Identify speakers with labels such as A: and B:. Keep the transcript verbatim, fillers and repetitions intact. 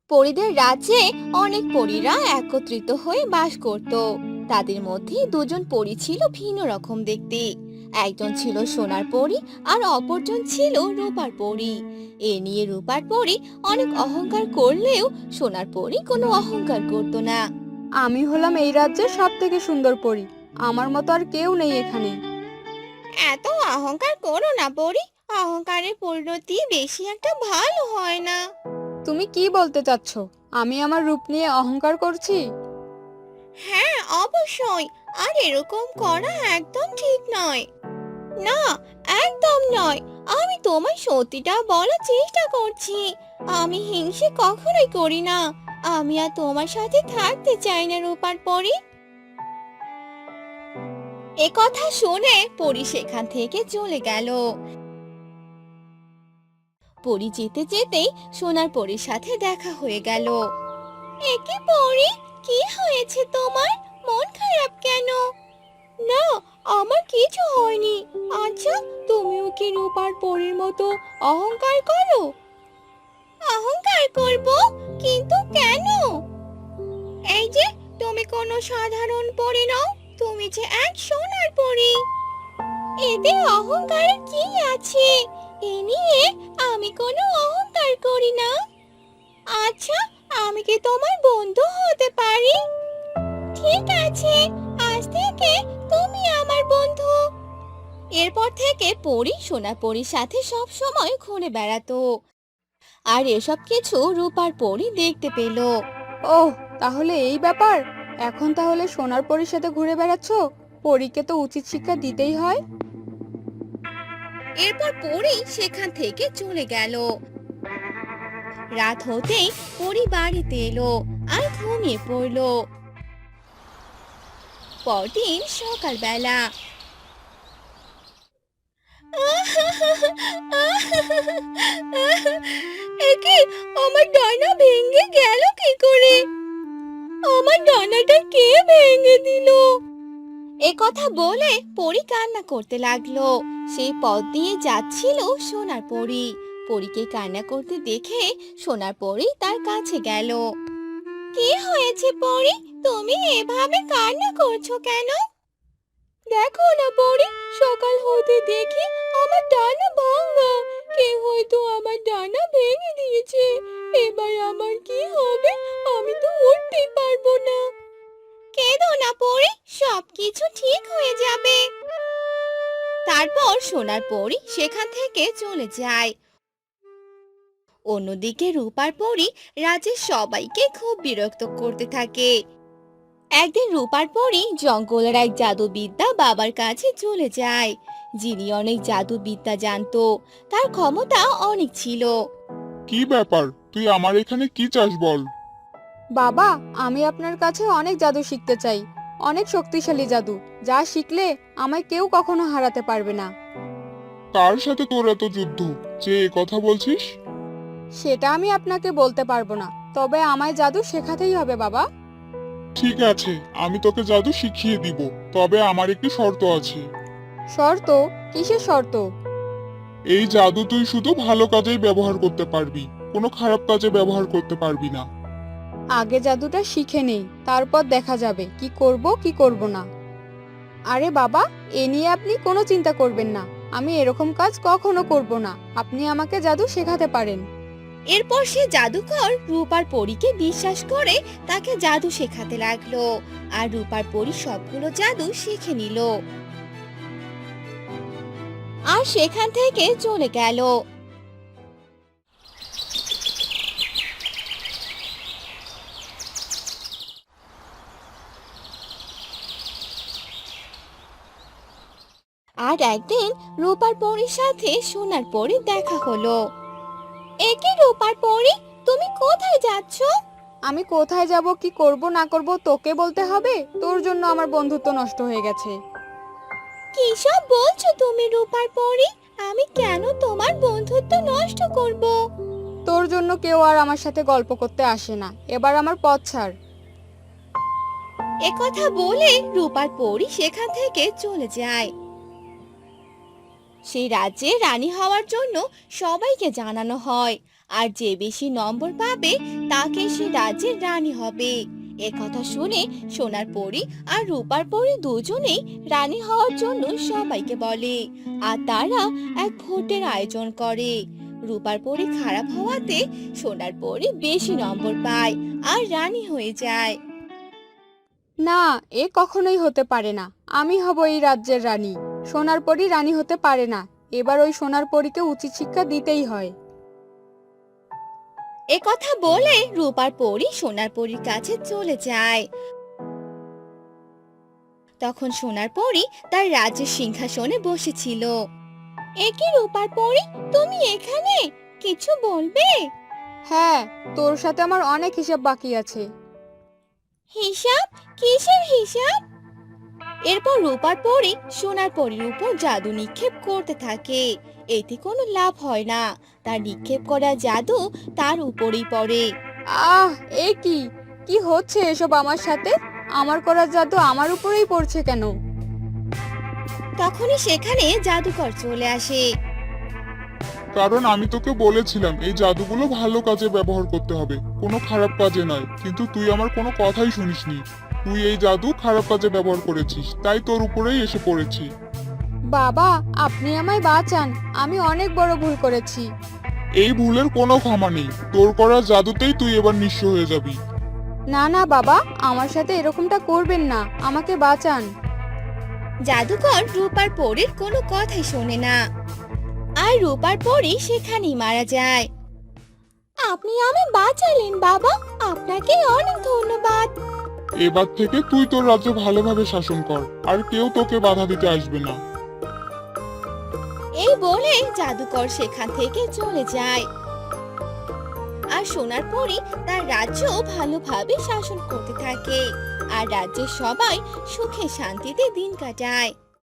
A: পরীদের রাজ্যে অনেক পরীরা একত্রিত হয়ে বাস করত। তাদের মধ্যে দুজন পরী ছিল ভিন্ন রকম দেখতে। একজন ছিল সোনার পরী আর অপরজন ছিল রূপার পরী। এ নিয়ে রূপার পরী অনেক অহংকার করলেও সোনার পরী কোনো অহংকার করত না।
B: আমি হলাম এই রাজ্যের সব থেকে সুন্দর পরী। আমার মতো আর কেউ নেই এখানে।
A: এত অহংকার করো না পরী, অহংকারের পরিণতি বেশি একটা ভালো হয় না।
B: তুমি কি বলতে চাচ্ছ? আমি আমার রূপ নিয়ে অহংকার করছি?
A: হ্যাঁ, অবশ্যই। আর এরকম করা একদম ঠিক নয়। না, একদম নয়। আমি তোমায় সত্যিটা বলার চেষ্টা করছি। আমি হিংসে কখনোই করি না। আমি আর তোমার সাথে থাকতে চাই না রূপার পরি। এ কথা শুনে পরি সেখান থেকে চলে গেল। পরি যেতে যেতেই সোনার পরীর সাথে দেখা হয়ে গেল। একে পরি, কি হয়েছে তোমার? মন খারাপ কেন? না, আমার কিছু হয়নি। আচ্ছা, তুমিও কি রূপার পরীর মতো অহংকার করো? অহংকার করব? কিন্তু কেন? এই যে, তুমি কোনো সাধারণ পরী নও, তুমি যে এক সোনার পরী। এতে অহংকারের কি আছে? এ নিয়ে আমি কোনো অহংকার করি না। আচ্ছা, আমি কি তোমার বন্ধু হতে পারি? ঠিক আছে, আজ থেকে তুমি আমার বন্ধু। এরপর থেকে পরী সোনা পরীর সাথে সব সময় ঘুরে বেড়াতো। আর এসব কিছু রূপার পরী দেখতে পেল।
B: ওহ, তাহলে এই ব্যাপার। এখন তাহলে সোনার পরীর সাথে ঘুরে বেড়াচ্ছ? পরীকে তো উচিত শিক্ষা দিতেই হয়।
A: এরপর পরী সেখান থেকে চলে গেল। রাত হতেই পরী বাড়িতে এলো আর ঘুমিয়ে পড়লো। পরদিন সকালবেলা একে, আমার ডানা ভেঙে গেল কি করে? আমার ডানাটা কে ভেঙে দিল? এ কথা বলে পরী কান্না করতে লাগলো। সেই পথ দিয়ে যাচ্ছিল সোনার পরী। পরীকে কান্না করতে দেখে সোনার পরী তার কাছে গেল। কি হয়েছে পরী? তুমি এভাবে কান্না করছো কেন? দেখো না পরী, সকাল হতে দেখি আমার ডানা ভাঙা। কে হয়তো আমার ডানা ভেঙে দিয়েছে। এবার আমার কি হবে? আমি তো উঠতেই পারবো না। কেঁদো না পরী, সবকিছু ঠিক হয়ে যাবে। তারপর সোনার পরী সেখান থেকে চলে যায়। অন্যদিকে রূপার পরী রাজ্যের সবাইকে খুব বিরক্ত করতে থাকে। একদিন রূপার পরী জঙ্গলের এক জাদুবিদ্যা বাবার কাছে চলে যায়, যিনি অনেক জাদুবিদ্যা জানতো। তার ক্ষমতা অনেক ছিল।
C: কি ব্যাপার? তুই আমার এখানে কি চাস বল?
B: বাবা, আমি আপনার কাছে অনেক জাদু শিখতে চাই। অনেক শক্তিশালী জাদু, যা শিখলে আমায় কেউ কখনো হারাতে পারবে না।
C: কার সাথে তোর এত যুদ্ধ যে এ কথা বলছিস?
B: সেটা আমি আপনাকে বলতে পারবো না, তবে আমায় জাদু শেখাতেই হবে বাবা।
C: ঠিক আছে, আমি তোকে জাদু শিখিয়ে দিব, তবে আমার একটি শর্ত আছে।
B: শর্ত? কিসের শর্ত?
C: এই জাদু তুই শুধু ভালো কাজেই ব্যবহার করতে পারবি, কোনো খারাপ কাজে ব্যবহার করতে পারবি না।
B: আগে জাদুটা শিখে নেই, তারপর দেখা যাবে কি করব কি করব না। আরে বাবা, এ নিয়ে আপনি কোনো চিন্তা করবেন না। আমি এরকম কাজ কখনো করব না। আপনি আমাকে জাদু শেখাতে পারেন।
A: এরপর সে জাদুকর রূপার পরীকে বিশ্বাস করে তাকে জাদু শেখাতে লাগলো। আর রূপার পরী সবগুলো জাদু শিখে নিল আর সেখান থেকে চলে গেল। আর একদিন রূপার পরীর সাথে সোনার পরীর দেখা হলো। একে রূপার পরী, তুমি কোথায় যাচ্ছ?
B: আমি কোথায় যাব কি করব না করব তোকে বলতে হবে? তোর জন্য আমার বন্ধুত্ব নষ্ট হয়ে গেছে।
A: কি সব বলছো তুমি রূপার পরী? আমি কেন তোমার বন্ধুত্ব নষ্ট করব?
B: তোর জন্য কেউ আর আমার সাথে গল্প করতে আসে না। এবার আমার পথ ছাড়।
A: একথা বলে রূপার পরী সেখান থেকে চলে যায়। সেই রাজ্যে রানী হওয়ার জন্য সবাইকে জানানো হয়, আর যে বেশি নম্বর পাবে তাকে সে রাজ্যের রানী হবে। এ কথা শুনে সোনার পরী আর রূপার পরী দুজনেই রানী হওয়ার জন্য সবাইকে বলে, আর তারা এক ভোটের আয়োজন করে। রূপার পরী খারাপ হওয়াতে সোনার পরী বেশি নম্বর পায় আর রানী হয়ে যায়।
B: না, এ কখনোই হতে পারে না। আমি হব এই রাজ্যের রানী। সোনার পরী রানী হতে পারে না। এবার ওই সোনার পরীকে উচিত শিক্ষা দিতেই হয়।
A: এ কথা বলে রূপার পরী সোনার পরীর কাছে চলে যায়। তখন সোনার পরী তার রাজ্যের সিংহাসনে বসেছিল। এ কি রূপার পরী, তুমি এখানে? কিছু বলবে?
B: হ্যাঁ, তোর সাথে আমার অনেক হিসাব বাকি আছে।
A: হিসাব? কিসের হিসাব? এরপর রূপার পরী সোনার পরীর উপর জাদু নিক্ষেপ করতে থাকে। এতে কোনো লাভ হয় না, তার নিক্ষেপ করা জাদু তার উপরেই পড়ে।
B: আহ, এ কি কি হচ্ছে এসব আমার সাথে? আমার করা জাদু আমার উপরেই পড়ছে কেন?
A: তখনই সেখানে জাদুকর চলে আসে।
C: কারণ আমি তোকে বলেছিলাম এই জাদুগুলো ভালো কাজে ব্যবহার করতে হবে, কোনো খারাপ কাজে নয়। কিন্তু তুই আমার কোনো কথাই শুনিসনি। তুই এই জাদু খারাপ কাজে ব্যবহার করেছিস, তাই তোর উপরেই এসে পড়েছি।
B: বাবা, আপনি আমায় বাঁচান। আমি অনেক বড় ভুল করেছি।
C: এই ভুলের কোনো ক্ষমা নেই। তোর করা জাদুতেই তুই এবার নিঃস্ব হয়ে যাবি।
B: না না বাবা, আমার সাথে এরকমটা করবেন না। আমাকে বাঁচান।
A: জাদুকর রূপার পরীর কোনো কথাই শোনে না, আর রূপার পরী সেখানেই মারা যায়। আপনি আমায় বাঁচালেন বাবা, আপনাকে অনেক ধন্যবাদ।
C: এবার থেকে তুই তোর রাজ্য ভালোভাবে শাসন কর, আর কেউ তোকে বাধা দিতে আসবে না।
A: এই বলে জাদুকর সেখান থেকে চলে যায়, আর সোনার পরী তার রাজ্য ভালোভাবে শাসন করতে থাকে, আর রাজ্যের সবাই সুখে শান্তিতে দিন কাটায়।